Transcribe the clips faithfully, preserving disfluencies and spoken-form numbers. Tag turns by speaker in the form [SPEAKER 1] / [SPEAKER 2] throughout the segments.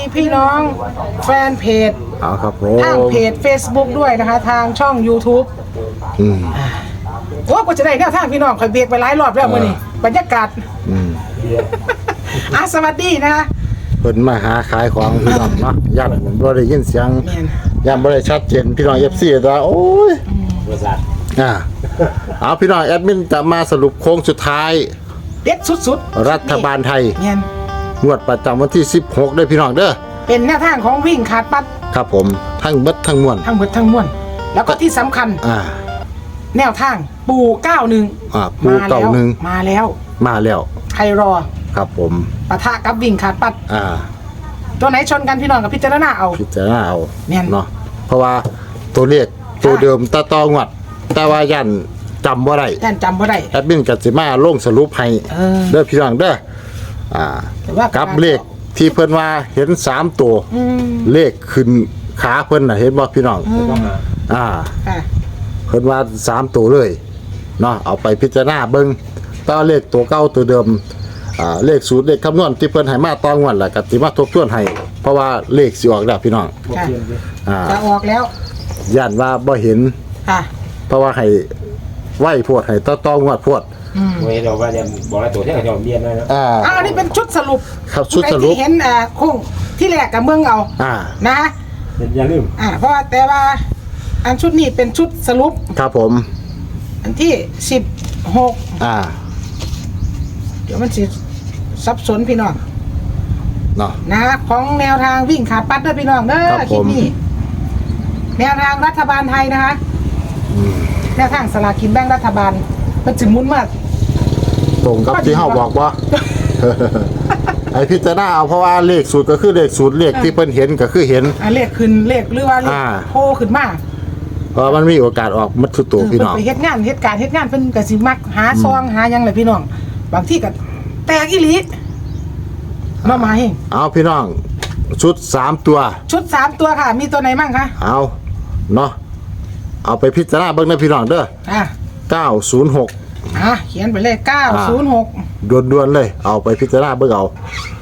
[SPEAKER 1] พี่น้องแฟนเพจ
[SPEAKER 2] เอาครับผม
[SPEAKER 1] ทางเพจ Facebook ด้วยนะคะทางช่อง YouTube
[SPEAKER 2] อืม
[SPEAKER 1] โอ้ก็จะได้แนวทางพี่น้องคอยเบรกไปหลายรอบแล้วมื้อนี้บรรยากาศ
[SPEAKER 2] อืม
[SPEAKER 1] อ่ะสวัสดีนะคะ
[SPEAKER 2] เพิ่นมาหาขายของพี่น้องเนาะย่านบ่ได้ยินเสียง
[SPEAKER 1] แม่น
[SPEAKER 2] ย่านบ่ได้ชัดเจนพี่น้อง เอฟ ซี ว่าโอ้ยอ่าเอาพี่น้องแอดมินจะมาสรุปโค้งสุดท้าย
[SPEAKER 1] เด็ดสุดๆ
[SPEAKER 2] รัฐบาลไทย
[SPEAKER 1] แม่น
[SPEAKER 2] งวดประจำวันที่สิบหกด้วยพี่น้องเด้อ
[SPEAKER 1] เป็นแนวทางของวิ่งขาดปัด
[SPEAKER 2] ครับผมทั้งเบิดทั้งมวล
[SPEAKER 1] ทั้งหมดทั้งมวลแล้วก็ที่สำคัญ
[SPEAKER 2] อ่า
[SPEAKER 1] แนวทางปูเก้าหนึ่ง
[SPEAKER 2] อ่าปูเก้าหนึ่ง
[SPEAKER 1] มาแล้ว
[SPEAKER 2] มาแล้ว
[SPEAKER 1] ใครรอ
[SPEAKER 2] ครับผม
[SPEAKER 1] ปะทะกับวิ่งขาดปัด
[SPEAKER 2] อ่า
[SPEAKER 1] ตัวไหนชนกันพี่น้องกับพิจารณาเอา
[SPEAKER 2] พิจารณาเอา
[SPEAKER 1] แม่น
[SPEAKER 2] เนาะเพราะว่าตัวเลขตัวเดิมตาตองวัดแต่ว่ายันจำบ่ได้
[SPEAKER 1] ท่านจำบ่ได้
[SPEAKER 2] แอดมินกัสิมาลงสรุปให้
[SPEAKER 1] เออ
[SPEAKER 2] เด้อพี่น้องเด้ออ่า
[SPEAKER 1] แต่ว่า
[SPEAKER 2] กับเลขที่เพิ่นว่าเห็นสามตัว
[SPEAKER 1] อืม
[SPEAKER 2] เลขขึ้นขาเพิ่นน่ะเห็นบ่พี่น้องอ่า
[SPEAKER 1] ค่ะ
[SPEAKER 2] เพิ่นว่าสามตัวเลยเนาะเอาไปพิจารณาเบิ่งต่อเลขตัวเก่าตัวเดิมอ่าเลขสูตรเลขคำนวณที่เพิ่นให้มาตองวันล่ะก็สิมาทบทวนให้เพราะว่าเลขสิออกแล้วพี่น้อง
[SPEAKER 1] ค่ะ
[SPEAKER 2] อ่า
[SPEAKER 1] จะออกแล้ว
[SPEAKER 2] ย่านว่าบ่เห็น
[SPEAKER 1] ค่ะ
[SPEAKER 2] เพราะว่าให้ไหวโพดให้ต่อตองวดโพด
[SPEAKER 1] อืม
[SPEAKER 3] ไม่เราว่าจะบอกแล้วตัวที่เราจะเรียนได้แล้ว
[SPEAKER 2] อ่า
[SPEAKER 1] อ่าอันนี้เป็นชุดสรุป
[SPEAKER 2] ครับชุดสรุป
[SPEAKER 1] ผู้ใที่เห็นอ่าโค้งที่แรกกับเมืองเอา
[SPEAKER 2] อ่า
[SPEAKER 1] นะ
[SPEAKER 3] อย่าลืม
[SPEAKER 1] อ่าเพราะว่าแต่ว่าอันชุดนี้เป็นชุดสรุป
[SPEAKER 2] ครับผม
[SPEAKER 1] อันที่สิบหก
[SPEAKER 2] อ่า
[SPEAKER 1] เดี๋ยวมันสิสับสนพี่น้อง
[SPEAKER 2] เนาะ
[SPEAKER 1] นะของแนวทางวิ่งขาดปัดด้วยพี่น้องเด้อ
[SPEAKER 2] ครับ
[SPEAKER 1] คลิ
[SPEAKER 2] ผ
[SPEAKER 1] ป
[SPEAKER 2] ม
[SPEAKER 1] นี้แนวทางรัฐบาลไทยนะคะ
[SPEAKER 2] อืม
[SPEAKER 1] แนวทางสลากกินแบ่งรัฐบาลมันจึงมุนมาก
[SPEAKER 2] ตรงกับที่เฮาบอกว่า ไอพิจารณาเอาเพราะว่าเลขสูตรก็คือเลขสูตรเลขที่เพิ่นเห็นก็คือเห็น
[SPEAKER 1] อ่าเลขขึ้นเลขหรือว่าเลข
[SPEAKER 2] อ่า
[SPEAKER 1] โพขึ้นมา
[SPEAKER 2] เพราะมันมีโอกาสออกมัดทุกตัว
[SPEAKER 1] เออ
[SPEAKER 2] พี่
[SPEAKER 1] เพิ่น
[SPEAKER 2] น้อง
[SPEAKER 1] ไปเฮ็ดงานเฮ็ดการเฮ็ดงานเพิ่นก็สิมักหาซองหาหยังแหละพี่น้องบางที่ก็แตกอีหลีมามาเฮง
[SPEAKER 2] เอาพี่น้อง ชุดสามตัว
[SPEAKER 1] ชุดสามตัวค่ะ มีตัวไหนบ้างคะ
[SPEAKER 2] เอาเนาะเอาไปพิจารณาเบิ่งนะพี่น้องเด้อ
[SPEAKER 1] อ่ะ
[SPEAKER 2] เก้าศูนย์หก
[SPEAKER 1] อ่ะเขียนไปเลยเก้าศูนย์หก
[SPEAKER 2] ด่วนๆเลย เอาไปพิจารณาเบิ่งเอา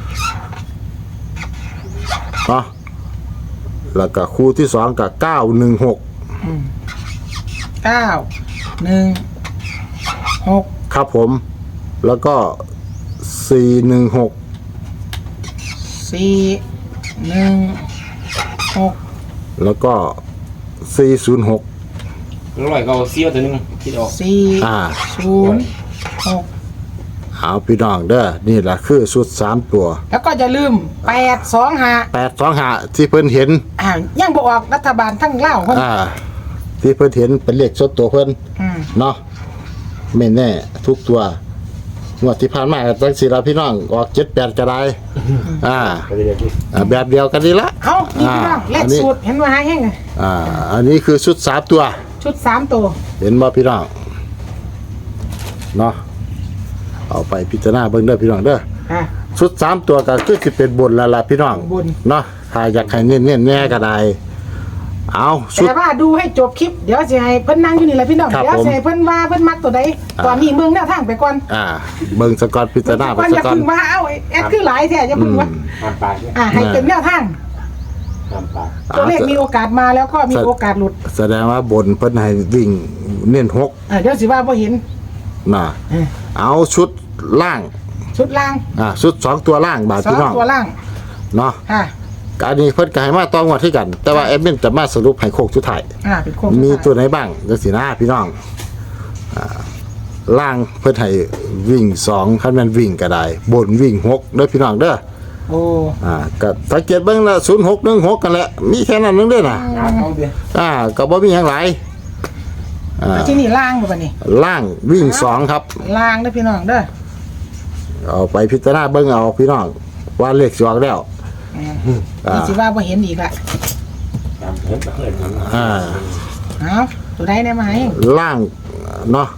[SPEAKER 2] เนาะแล้วก็คู่ที่สองกับเก้าหนึ่งหก
[SPEAKER 1] เก้าหนึ่งหก
[SPEAKER 2] ครับผม แล้วก็สี่หนึ่งหก
[SPEAKER 1] สี่หนึ่งหก
[SPEAKER 2] แล้วก็สี่ศูนย์หก
[SPEAKER 3] ร้อยก็เสี้ยวตัวนึงคิดออก
[SPEAKER 1] สี่
[SPEAKER 2] อ่า
[SPEAKER 1] ศูนย์หก
[SPEAKER 2] เอาพี่น้องเด้อนี่แหละคือชุดสามตัว
[SPEAKER 1] แล้วก็อย่าลืมแปดสองห้า
[SPEAKER 2] แปดสองหาที่เพิ่นเห็น
[SPEAKER 1] อ่ายังบออกรัฐบาลทั้งเล่าวเพิ่น
[SPEAKER 2] อ่า ที่เพิ่นเห็นเป็นเลขสดตัวเพิ่น
[SPEAKER 1] อืม
[SPEAKER 2] เนาะไม่แน่ทุกตัวงวดที่ผ่านมาก็จังสิล่ะพี่น้องออกเจ็ดแปดก็ได้อ่า
[SPEAKER 3] ก็เลยที่
[SPEAKER 2] อ่าแบบเดียวกันนี่ละ
[SPEAKER 1] เอานี่พี่น้องเล
[SPEAKER 2] อั
[SPEAKER 1] ข
[SPEAKER 2] นนี้
[SPEAKER 1] สูตรเห็นว่าหาแห้ง
[SPEAKER 2] อ่า อันนี้คือชุดสามตัว
[SPEAKER 1] ชุดสามตัว
[SPEAKER 2] เห็นบ่พี่น้องเนาะเอาไปพิจารณาเบิ่งเด้อพี่น้องเด้อ
[SPEAKER 1] อ่ะ
[SPEAKER 2] ชุดสามตัวก็คือสิเป็นบนแล้วล่ะพี่น้อง
[SPEAKER 1] บน
[SPEAKER 2] เนาะถ้าอยากให้เน้นๆแน่ก็ได้เอาชุด
[SPEAKER 1] แต่ว่าดูให้จบคลิปเดี๋ยวจะให้เพิ่นนั่งอยู่นี่แหละพี่น้อง
[SPEAKER 2] ครับ
[SPEAKER 1] เดี๋ยว
[SPEAKER 2] ผม
[SPEAKER 1] จะให้เพิ่นว่าเพิ่นมักตัวใด
[SPEAKER 2] อ่า
[SPEAKER 1] ตอนนี้เมืองแนวทางไปก่อน
[SPEAKER 2] อ่า เบิ่งสกอตพิจารณาไป
[SPEAKER 1] ก่อน
[SPEAKER 2] ส
[SPEAKER 1] อย่าก
[SPEAKER 2] อน
[SPEAKER 1] เพึ่งว่าเอ้าแอดคือหลายแท้อย่าเพึ่งว่า
[SPEAKER 3] ห้ามปากเนี่ย
[SPEAKER 1] อ่าให้เป็นแนวทาง
[SPEAKER 3] ห้ามปาก
[SPEAKER 1] ตัวเลขมีโอกาสมาแล้วก็มีโอกาสหลุด
[SPEAKER 2] แสดงว่าบนเพิ่นให้วิ่งเน้นหก
[SPEAKER 1] เออเดี๋ยวสิว่าบ่เห็น
[SPEAKER 2] น่ะ
[SPEAKER 1] เออ
[SPEAKER 2] เอาชุดล่าง
[SPEAKER 1] ชุดล่าง
[SPEAKER 2] อ่าชุดสองตัวล่างบาท
[SPEAKER 1] สอ
[SPEAKER 2] พี่
[SPEAKER 1] ง
[SPEAKER 2] น้อง
[SPEAKER 1] ตัวล่าง
[SPEAKER 2] เนาะ
[SPEAKER 1] ค่ะ
[SPEAKER 2] อันนี้เพิ่นก็ให้มาต้องวัดที่กัน แต่ว่าแอดมินจะมาสรุปให้โคกสุดท้าย
[SPEAKER 1] อ่าเป็นโค้ง
[SPEAKER 2] มี
[SPEAKER 1] สุดท้าย
[SPEAKER 2] ตัวไหนบ้างจังซี่นะพี่น้องอ่าล่างเพิ่นให้วิ่งสองคันแม่นวิ่งก็ได้ บนวิ่งหกเด้อพี่น้องเด้อ
[SPEAKER 1] โอ้
[SPEAKER 2] อ่าก็สังเกตเบิ่งละศูนย์หกหนึ่งหกกันแหละมีแค่นั้นนึงเด้อน่ะ
[SPEAKER 3] เอาเดียว
[SPEAKER 2] อ่าก็บ่มีหยังหลายอ่า
[SPEAKER 1] แล้วที่นี่ล่างบ่บัดนี้
[SPEAKER 2] ล่างวิ่งสองครับ
[SPEAKER 1] ล่างเด้อพี่น้องเด้อ
[SPEAKER 2] เอาไปพิจารณาเบิ่งเอาพี่น้องว่าเลขสิออกแล้ว อ่า
[SPEAKER 1] นี่สิว่าบ่เห็นอีกละ
[SPEAKER 3] ตามเพิ่มเพิ่ม
[SPEAKER 2] อ่า
[SPEAKER 1] เอาตัวใดได้มาให้
[SPEAKER 2] ล่างเนาะ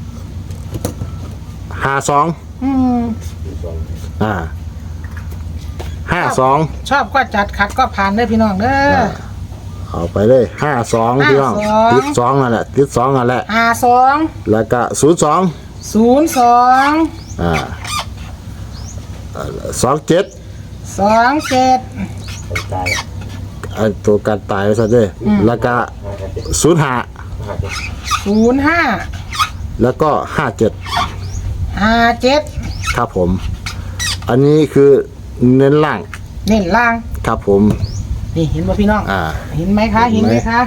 [SPEAKER 2] ห้าสอง
[SPEAKER 1] อืม
[SPEAKER 2] อ่าห้าสอง
[SPEAKER 1] ชอบก็จัดขัดก็ผ่านเด้อพี่น้องเด้อ
[SPEAKER 2] เอาไปเลยห้าสองพี่น้อง
[SPEAKER 1] ห้าสอง
[SPEAKER 2] ติดสองนั่นแหละติดสองนั่นแหละ
[SPEAKER 1] ห้าสอง
[SPEAKER 2] แล้วก็ศูนย์สอง
[SPEAKER 1] ศูนย์สอง
[SPEAKER 2] อ่าสองเจ็ด
[SPEAKER 1] สองเจ็ด
[SPEAKER 3] คนตาย
[SPEAKER 2] อันตัวการตายซะเด้อแล้วก็
[SPEAKER 3] ห้าเจ็ด
[SPEAKER 2] ศูนย์ห้า
[SPEAKER 3] ห้าเจ็ด
[SPEAKER 1] ศูนย์ห้า
[SPEAKER 2] แล้วก็ห้าเจ็ด
[SPEAKER 1] ห้าเจ็ด
[SPEAKER 2] ครับผม อันนี้คือเน้นล่าง
[SPEAKER 1] เน้นล่าง
[SPEAKER 2] ครับผม
[SPEAKER 1] นี่เห็นบ่พี่น้อง
[SPEAKER 2] อ่า
[SPEAKER 1] เห็นไหมคะเห็นไหมคะ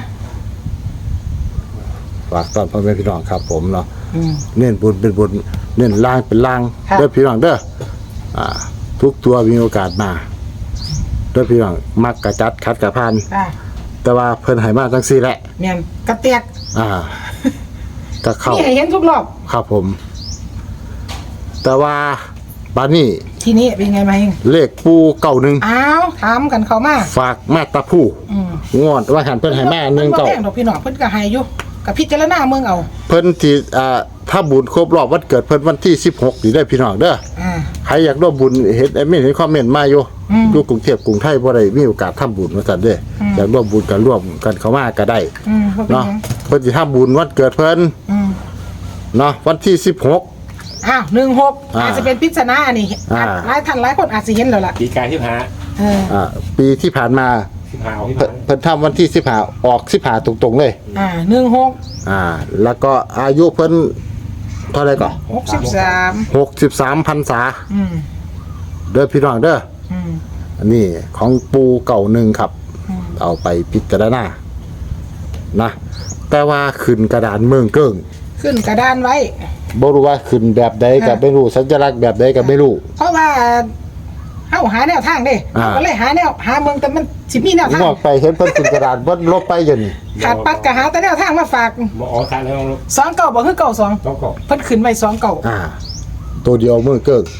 [SPEAKER 2] ฝากตอนพ่อแม่พี่น้องครับผมเนาะ
[SPEAKER 1] อืม
[SPEAKER 2] เน้นบุญเป็นบุญเน้นล่างเป็นล่าง
[SPEAKER 1] ค่ะ
[SPEAKER 2] เด้อพี่น้องเด้ออ่า ทุกตัวมีโอกาสมาเด้อพี่น้องมักกระจัดคัดกระพาน
[SPEAKER 1] ค่ะ
[SPEAKER 2] แต่ว่าเพิ่นให้มาจังซี่แหละ
[SPEAKER 1] แม่นกระเตียก
[SPEAKER 2] อ่าก็เข้า
[SPEAKER 1] นี่ให้เห็นทุกรอบ
[SPEAKER 2] ครับผม แต่ว่าบานี่
[SPEAKER 1] ทีนี้เป็นไงมาเอง
[SPEAKER 2] เลขปูเก่าหนึ่ง
[SPEAKER 1] อ้าวถามกันเข้ามา
[SPEAKER 2] ฝากแม่ตาผู้
[SPEAKER 1] อืม
[SPEAKER 2] งอนว่าหันเพิ่นให้แม่หนึ่ง
[SPEAKER 1] เก่า
[SPEAKER 2] เก่า
[SPEAKER 1] แป้งดอกพี่น้องเพิ่นก็ให้อยู่กับพิจารณาเมืองเอา
[SPEAKER 2] เพิ่นที่อ่าถ้าบุญครบรอบวันเกิดเพิ่นวันที่สิบหกนี่ได้อพี่น้องเด้อ
[SPEAKER 1] อ่า
[SPEAKER 2] ใครอยากร่วมบุญเห็นแอดมินเห็นคอมเมนต์มาอยู่
[SPEAKER 1] อืม
[SPEAKER 2] อยู่กรุงเทพกรุงไทยบ่ได้มีโอกาสทำบุญว่าซั่นเด้ออ
[SPEAKER 1] ม
[SPEAKER 2] อยากร่วมบุญกันร่วมกันเข้ามาก็ได้
[SPEAKER 1] อืมบ่เป็น
[SPEAKER 2] เนาะ
[SPEAKER 1] หยัง
[SPEAKER 2] เพิ่นสิทำบุญวันเกิดเพิ่น
[SPEAKER 1] อืม
[SPEAKER 2] เนาะวันที่สิบหก
[SPEAKER 1] อ้าวหนึ่งหก
[SPEAKER 2] อ่า
[SPEAKER 1] อาจจะเป็นปริศนาอันนี้
[SPEAKER 2] อ่า
[SPEAKER 1] หลายท่านหลายคนอาจจะเห็นแล้วล่ะ
[SPEAKER 3] ปีกายที่หา
[SPEAKER 1] เออ
[SPEAKER 2] อ่าปีที่ผ่านมา
[SPEAKER 3] ที่หาเอาที่
[SPEAKER 2] เพิ่
[SPEAKER 3] หาน
[SPEAKER 2] เพิ่นทำวันที่สิบห้าออกสิบห้าตรงๆเลย
[SPEAKER 1] อ่าหนึ่งหก
[SPEAKER 2] อ่า แล้วก็อายุเพิ่นเท่าไหร่ก่อน
[SPEAKER 1] หกสิบสาม
[SPEAKER 2] หกสิบสามพรรษา
[SPEAKER 1] อืม
[SPEAKER 2] เด้อพี่น้องเด้อ
[SPEAKER 1] อืม
[SPEAKER 2] อันนี้ของปูเก่าหนึ่งครับ
[SPEAKER 1] อืม
[SPEAKER 2] เอาไปพิจารณานะ แต่ว่าขึ้นกระดานเมืองเกิ้ง
[SPEAKER 1] ขึ้นกระดานไว้
[SPEAKER 2] บ่รู้ว่าขึ้นแบบใดก็
[SPEAKER 1] ค่ะ
[SPEAKER 2] ไม่รู้ สัญลักษณ์แบบใดก็ไม่รู้
[SPEAKER 1] เพราะว่าเฮาหาแนวทางเด้
[SPEAKER 2] อ่า
[SPEAKER 1] เราก็เลยหาแนวหาเมืองแต่มันสิมีแนวทาง
[SPEAKER 2] งอกไปเห็นเพิ่นขึ้นกระดานเพิ่นลบไปอยู่นี่
[SPEAKER 1] ขาดปัดก็หาแต่แนวทางมาฝาก
[SPEAKER 3] หมออ๋อตายแล้วลูก
[SPEAKER 1] สองเก่าบ่คือเก่าสอง
[SPEAKER 3] ต้องก่อน
[SPEAKER 1] เพิ่นขึ้นไว้สองเก่า
[SPEAKER 2] อ่า ตัวเดียวเมืองเกิ้ง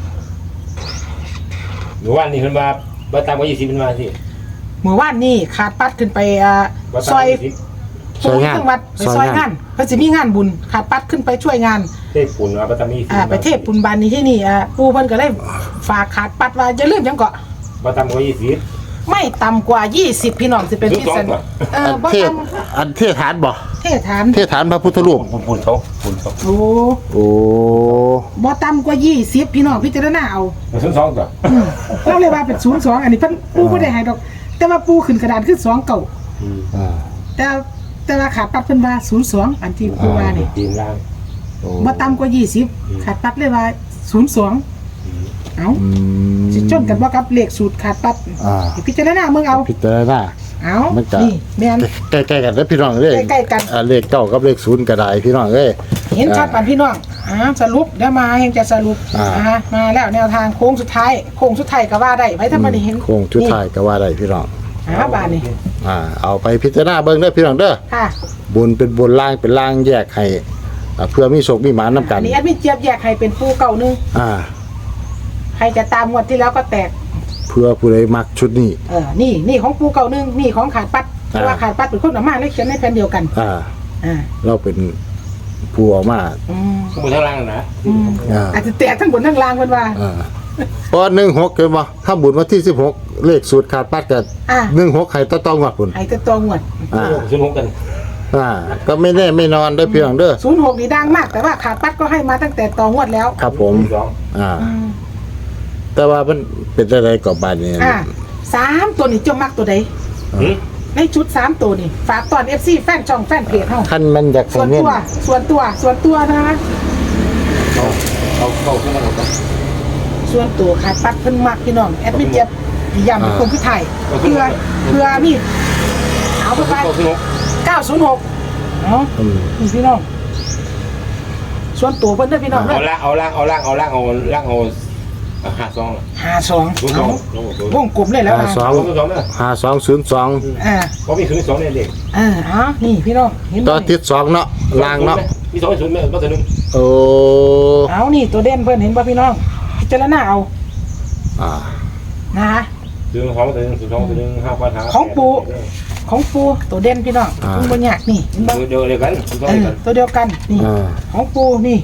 [SPEAKER 3] หนูว่านี่เพิ่นว่าบ่ตามกว่ายี่สิบเป็นมาสิ
[SPEAKER 1] เมื่อวานนี้ขาดปัดขึ้นไปอ่า
[SPEAKER 3] บ่
[SPEAKER 1] ซ
[SPEAKER 3] ตาม
[SPEAKER 1] อย
[SPEAKER 3] ยี่สิบ
[SPEAKER 2] ซอยงาน
[SPEAKER 1] จังหวัดไปซอยงานเพิ่นสิมีงานบุญขาดปัดขึ้นไปช่วยงาน
[SPEAKER 3] เทพปุ่นว่าบ่ตามยี่สิบ
[SPEAKER 1] อ่าไปเทพปุณบานนี้ที่นี่อ่าปู่เพิ่นก็เลยฝากขาดปัดว่าอย่าลืมหยังเกาะ
[SPEAKER 3] บ่ตามกว่ายี่สิบ
[SPEAKER 1] ไม่ต่ำกว่ายี่สิบพี่น้องสิเป็นที่สน
[SPEAKER 3] ถูกต้องป่ะ
[SPEAKER 1] เออ
[SPEAKER 2] อัน
[SPEAKER 1] บ่
[SPEAKER 2] เทศ
[SPEAKER 1] ต่
[SPEAKER 2] อันเทศฐานบ่
[SPEAKER 1] ำเทศฐาน
[SPEAKER 2] เทศฐานพระพุทธรูป
[SPEAKER 3] ปุ่นปุ่นเขาปุ่นเขา
[SPEAKER 1] โอ้
[SPEAKER 2] โอ้
[SPEAKER 1] บ่ต่ำกว่ายี่สิบพี่น้องพิจารณาเอา
[SPEAKER 3] มันสองๆตัว
[SPEAKER 1] อืมเราเลยว่าเป็นศูนย์สองอันนี้เพิ่นปู่บ่ได้ให้ดอก แต่ว่าปู่ขึ้นกระดานคือสองเก่า
[SPEAKER 3] อืม
[SPEAKER 2] อ่า
[SPEAKER 1] แต่แต่ว่าขาดปัดเพิ่นว่าศูนย์สองอันที่ปู่ว่านี่
[SPEAKER 3] จีนล่าง
[SPEAKER 2] โอ้
[SPEAKER 1] บ่ต่ำกว่ายี่สิบขาดปัดเลยว่าศูนย์สองเอ้า
[SPEAKER 2] อืม
[SPEAKER 1] สิชนกันบ่กับเลขสูตรขาดปัด
[SPEAKER 2] อ่า
[SPEAKER 1] พิจารณาเมืองเอา
[SPEAKER 2] พิจารณา
[SPEAKER 1] เอ้า
[SPEAKER 2] มันจะ
[SPEAKER 1] นี่แม่น
[SPEAKER 2] ใกล้ๆกันแล้วพี่น้องเอ้ย
[SPEAKER 1] ใกล้ๆกัน
[SPEAKER 2] อ่าเลขเก้ากับเลขศูนย์ก็ได้พี่น้องเอ้ย
[SPEAKER 1] เห็นชัดปันพี่น้องอ่าสรุปเดี๋ยวมาเฮงจะสรุป
[SPEAKER 2] อ่า
[SPEAKER 1] อ่ามาแล้วแนวทางโค้งสุดท้ายโค้งสุดท้ายก็ว่าได้ไว้ถ้ามันได้เห็น
[SPEAKER 2] โค้งชุดท้ายก็ว่าได้พี่น้อง
[SPEAKER 1] นี่อ่าบานนี่
[SPEAKER 2] อ่า เอาไปพิจารณาเบิ่งเด้อพี่น้องเด้อ
[SPEAKER 1] ค่ะ
[SPEAKER 2] บุญเป็นบุญล่างเป็นล่างแยกให้อ่าเพื่อมีโชคมีหมานนํกั
[SPEAKER 1] อั
[SPEAKER 2] น
[SPEAKER 1] นนี้แอดมินเจี๊ยบแยกให้เป็นปูเก่าหนึง
[SPEAKER 2] อ่า
[SPEAKER 1] ใครจะตามงวดที่แล้วก็แตก
[SPEAKER 2] เพื่อผู้ใดมักชุดนี้
[SPEAKER 1] เออนี่นี่ของปูเก่าหนึงนี่ของขาดปัดเพ
[SPEAKER 2] อ่า
[SPEAKER 1] ราะว่าขาดปัดเป็นคนเออกมาเลยเขียนในแผ่นเดียวกัน
[SPEAKER 2] อ่า
[SPEAKER 1] อ่า
[SPEAKER 2] เราเป็นผู้ออกมา
[SPEAKER 1] อืม
[SPEAKER 3] ข้างบนข้างล่างนะ
[SPEAKER 1] อืม
[SPEAKER 2] อ่า
[SPEAKER 1] อาจจะแตกทั้งบนทั้งล่างเพิ่นว่า
[SPEAKER 2] อ่าเพราะหนึ่งหกเกินบ่ถ้าบุญวันที่สิบหกเลขสูตรขาดปัดกัน
[SPEAKER 1] อ่า
[SPEAKER 2] หนึ่งหกให้ต้องต้องวัดบุญ
[SPEAKER 1] ให้แต่ตัวงวด
[SPEAKER 2] อ่า
[SPEAKER 3] ศูนย์หกกัน
[SPEAKER 2] อ่า ก็ไม่แน่ไม่นอนได้อพี่น้องเด้อ
[SPEAKER 1] ศูนย์หกนี่ดังมาก แต่ว่าขาดปัดก็ให้มาตั้งแต่ตองวดแล้ว
[SPEAKER 2] ครับผม
[SPEAKER 3] สอง
[SPEAKER 2] อ่า
[SPEAKER 1] อืม
[SPEAKER 2] แต่ว่ามันเป็นอะไรกับบานนี้
[SPEAKER 1] อ่าสามตัวนี่เจ้ามักตัวใด
[SPEAKER 3] หืม
[SPEAKER 1] ในชุดสามตัวนี่ฝากตอน เอฟ ซี แฟนช่องแฟนเพจเฮา
[SPEAKER 2] ขั้นมันอยาก
[SPEAKER 1] ส่วน
[SPEAKER 2] เน้น
[SPEAKER 1] ตัว ส่วนตัว ส่วนตัวนะ
[SPEAKER 3] เขาเขาเขาข้างล่างกัน
[SPEAKER 1] ส่วนตัวขาดปัดเพิ่นมักพี่น้อง แอดมินเจ็บย้ำเป็นคนคือไทยเพื่อเพื่อมีเอาไปไป
[SPEAKER 3] เขาศูนย์หก
[SPEAKER 1] เก้าศูนย์หกเนาะ
[SPEAKER 2] อืม
[SPEAKER 1] นี่พี่น้อง ส่วนตัวเพิ่นเด้อพี่น้องเด้
[SPEAKER 3] เอา
[SPEAKER 1] อ
[SPEAKER 3] ล่างเอาล่างเอาล่างเอาล่างเอาล่างเอาห้าสอง
[SPEAKER 1] ห้าสอง
[SPEAKER 3] ศูนย์สอ
[SPEAKER 1] เอา
[SPEAKER 3] งศูนย์
[SPEAKER 1] วงกลมเลยแล้ว
[SPEAKER 2] ห้า
[SPEAKER 1] นะ
[SPEAKER 2] สอง
[SPEAKER 3] ศูนย์สองเด้อ
[SPEAKER 2] ห้าสองศูนย์สอง
[SPEAKER 1] อ่า
[SPEAKER 3] เพราะมีศูนย์สองเนี่ยเด็ก
[SPEAKER 1] เออเอานี่พี่น้องเห็นไหม
[SPEAKER 2] ต่อทิศสองเนาะล่างเนาะ
[SPEAKER 3] มีสองศูนย์ไหมก็ตัวหนึ่ง
[SPEAKER 2] โอ้
[SPEAKER 1] เอานี่ตัวเด่นเพิ่นเห็นป่ะพี่น้องพิจารณาเอา
[SPEAKER 2] อ่า
[SPEAKER 1] นะคะ
[SPEAKER 3] ศูนย์สองตัวหนึ่งศูนย์สองตัวหนึ่งห้าพันห้า
[SPEAKER 1] ของปู่ ของปูตัวเด่นพี่น้องคุณบ่ยากนี่เห็นบ่
[SPEAKER 3] เดียวเดียวกันศูนย์สอง
[SPEAKER 1] เอ
[SPEAKER 3] เดียว
[SPEAKER 1] อ
[SPEAKER 3] กัน
[SPEAKER 1] ตัวเดียวกันนี่
[SPEAKER 2] อ่า
[SPEAKER 1] ของปูนี่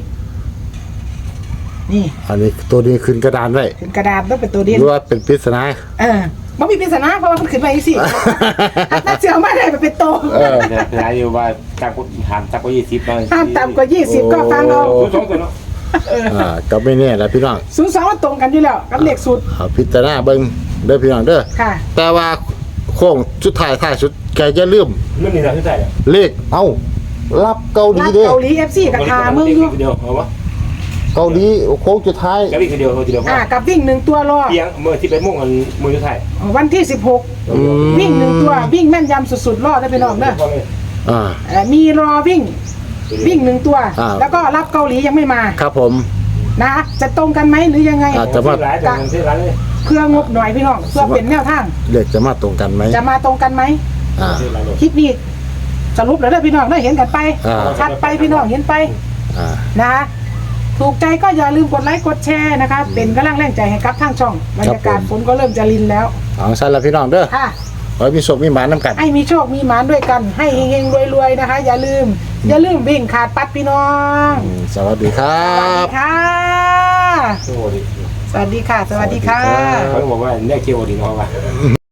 [SPEAKER 1] นี่
[SPEAKER 2] อันนี้ตัวนี้ขึ้นกระดานไว้
[SPEAKER 1] ถึงกระดาษต้องเป็นตัว
[SPEAKER 2] ห
[SPEAKER 1] เด่น
[SPEAKER 2] รือว่าเป็นปริศนา
[SPEAKER 1] เออมันมีปริศนาเพราะว่ามันขึ้นมาอีกสิถ้าเสียวมาได้มันเป็นโต
[SPEAKER 2] เออ
[SPEAKER 3] เนี่ยนายอยู่ว่าตามกฎถามตามกฎยี่สิบ
[SPEAKER 1] ห้ามต่ำกว่ายี่สิบก็ฟังเอา
[SPEAKER 3] ศูนย์สองตัวเนาะ
[SPEAKER 2] อ่าก็ไม่แน่แหละพี่น้อง
[SPEAKER 1] ศูนย์สองมันตรงกันอยู่แล้วกับเลขสูตร
[SPEAKER 2] เอาพิจารณาเบิ่งเด้อพี่น้องเด้อ
[SPEAKER 1] ค่ะ
[SPEAKER 2] แต่ว่าโค้งสุดท้ายท้ายสุดแกจะลืม
[SPEAKER 3] ไม่มีอะไรที่ใส่เลย
[SPEAKER 2] เลขเอ้ารับเกาหลี
[SPEAKER 1] รัฐ
[SPEAKER 2] เด้อ
[SPEAKER 1] เกาหลี เอฟ ซี กับทามึงอยู่
[SPEAKER 3] เดียวเอาวะ
[SPEAKER 2] เกาหลีโค้งสุดท้าย
[SPEAKER 3] กระบี่เดียวเดียว
[SPEAKER 1] อ่ากับวิ่งหนึ่งตัวรอ
[SPEAKER 3] เพียงเมื่อที่ไปมุ่งกันมือที่ใส่
[SPEAKER 1] วันที่สิบหก
[SPEAKER 2] อืม
[SPEAKER 1] วิ่งหนึ่งตัววิ่งแม่นยำสุดๆรอดได้ไปน้องเด้อ
[SPEAKER 2] อ่า
[SPEAKER 1] เอ่อมีรอวิ่งวิ่งหนึ่งตัว
[SPEAKER 2] อ่า
[SPEAKER 1] แล้วก็รับเกาหลียังไม่มา
[SPEAKER 2] ครับผม
[SPEAKER 1] นะจะตรงกันไหมหรือยังไง
[SPEAKER 2] อ่า
[SPEAKER 3] จะมาร้ายแต่ที่ร้านเลย
[SPEAKER 1] เพื่องบหน่อยพี่น้องเพื่อเป็นแนวทาง
[SPEAKER 2] เลขจะมาตรงกันไหม
[SPEAKER 1] จะมาตรงกันไหม
[SPEAKER 2] อ่า
[SPEAKER 1] คลิปนี้สรุปแล้วเด้อพี่น้องได้เห็นกันไป
[SPEAKER 2] อ่า
[SPEAKER 1] ชัดไปพี่น้องเห็นไป
[SPEAKER 2] อ่า
[SPEAKER 1] นะคะถูกใจก็อย่าลืมกดไลค์กดแชร์นะคะเป็นกำลังแรงใจให้กับทางช่องบรรยากาศฝนก็เริ่มจะรินแล้ว
[SPEAKER 2] เอาสั้นแล้วพี่น้องเด้อ
[SPEAKER 1] ค่ะ
[SPEAKER 2] ขอให้มีโชคมีหมานน้ำกัน
[SPEAKER 1] ให้มีโชคมีหมานด้วยกัน ให้เฮงๆรวยๆนะคะ อย่าลืม อย่าลืมวิ่งขาดปัดพี่น้อง
[SPEAKER 2] อืมสวัสดีครั
[SPEAKER 1] สวัสดี
[SPEAKER 2] บ
[SPEAKER 1] ค่ะ
[SPEAKER 3] โอ้โห
[SPEAKER 1] สวัสดีค่ะ สวัสดีค่ะ
[SPEAKER 3] เขาบอกว่าเนี่ยเกี่ยวดีเนาะว่า